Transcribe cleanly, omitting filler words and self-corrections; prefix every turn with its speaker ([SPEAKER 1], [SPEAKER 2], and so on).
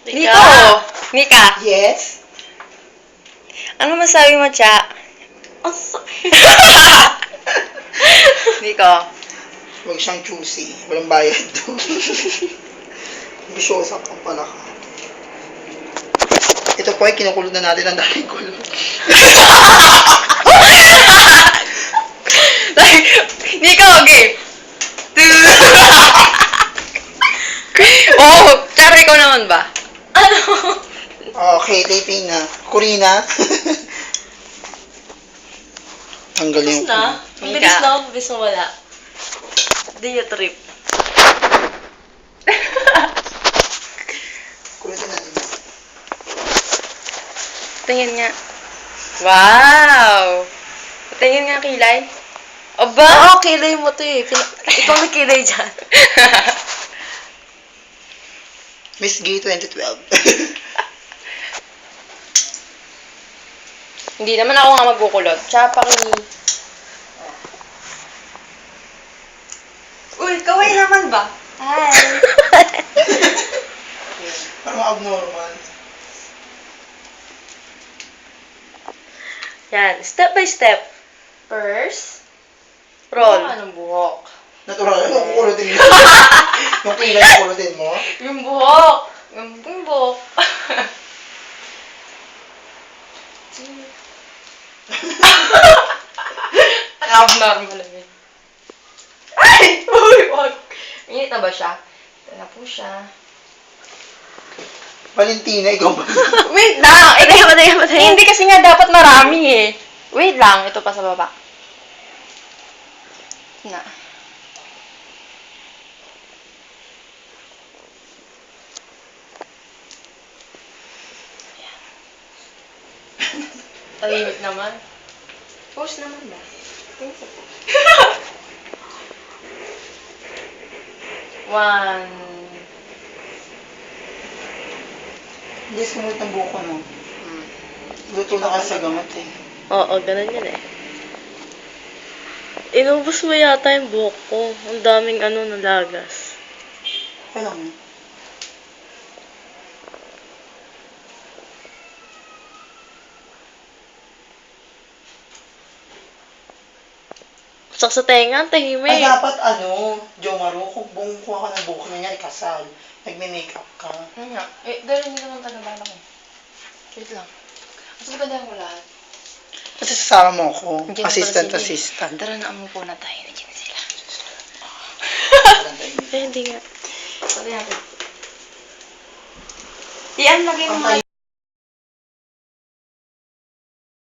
[SPEAKER 1] Nico! Nika!
[SPEAKER 2] Yes?
[SPEAKER 1] Ano masabi mo, Cha?
[SPEAKER 2] Ang sakit.
[SPEAKER 1] Nico.
[SPEAKER 2] Huwag siyang choosy. Walang bayad doon. Bisyosa pang pala ka. Ito po ay kinukulot na natin ang dating kulot.
[SPEAKER 1] Like, Nico, okay. Oh, Chara, ikaw naman ba?
[SPEAKER 3] Ano?
[SPEAKER 2] Okay, taping na. Corina. Ang galing.
[SPEAKER 3] Tapos na? Ang bilis na ako, bilis na wala. Di yung trip.
[SPEAKER 2] Kulitin natin.
[SPEAKER 1] Tingin nga. Wow! Tingin nga kilay. Aba!
[SPEAKER 3] Oo, kilay mo to eh. Ikaw may kilay dyan.
[SPEAKER 2] Miss Gay 2012.
[SPEAKER 1] Hindi naman ako nga magkukulot. Tsaka paki...
[SPEAKER 3] Uy, kaway naman ba? Hi!
[SPEAKER 2] Parang abnormal.
[SPEAKER 3] Yan, step by step. First,
[SPEAKER 1] Roll.
[SPEAKER 3] Anong buhok?
[SPEAKER 2] Natural. Anong kukulitin mo? Yung kilay kukulitin mo?
[SPEAKER 3] Yung buhok! Yung buhok.
[SPEAKER 1] Abnormal lang yun.
[SPEAKER 3] Ay! Uy, wag! Init na ba siya? Ito na po siya.
[SPEAKER 2] Valentina, ikaw ba?
[SPEAKER 1] Wait lang! Hindi kasi nga dapat marami eh. Wait lang, ito pa sa baba. Na.
[SPEAKER 3] Tahimik naman.
[SPEAKER 1] Post naman ba? Tingin sa post.
[SPEAKER 3] One.
[SPEAKER 2] Hindi, sumunod ng buko, no? Luto na kasi sa gamot, eh.
[SPEAKER 3] Oo, ganun yun eh. Inubos mo yata yung buhok ko. Ang daming nalagas.
[SPEAKER 2] Okay lang, eh.
[SPEAKER 3] Sak sa tenga, ang
[SPEAKER 2] Ay,
[SPEAKER 3] tahimik.
[SPEAKER 2] dapat, Jo Maru, kung kuha ka ng buko na yan, ikasal. Nagme-makeup ka.
[SPEAKER 1] Ano nga? Eh, gano'n din naman talaga ko. Wait lang. Mas maganda mo lahat.
[SPEAKER 2] Kasi sasama mo ako.
[SPEAKER 1] Nandiyan na pala
[SPEAKER 2] Assistant.
[SPEAKER 1] Tara na, amupo na tayo. Nandiyan na sila.
[SPEAKER 3] Eh, hindi nga.
[SPEAKER 1] Pwede natin. Iyan, lagay mo nga.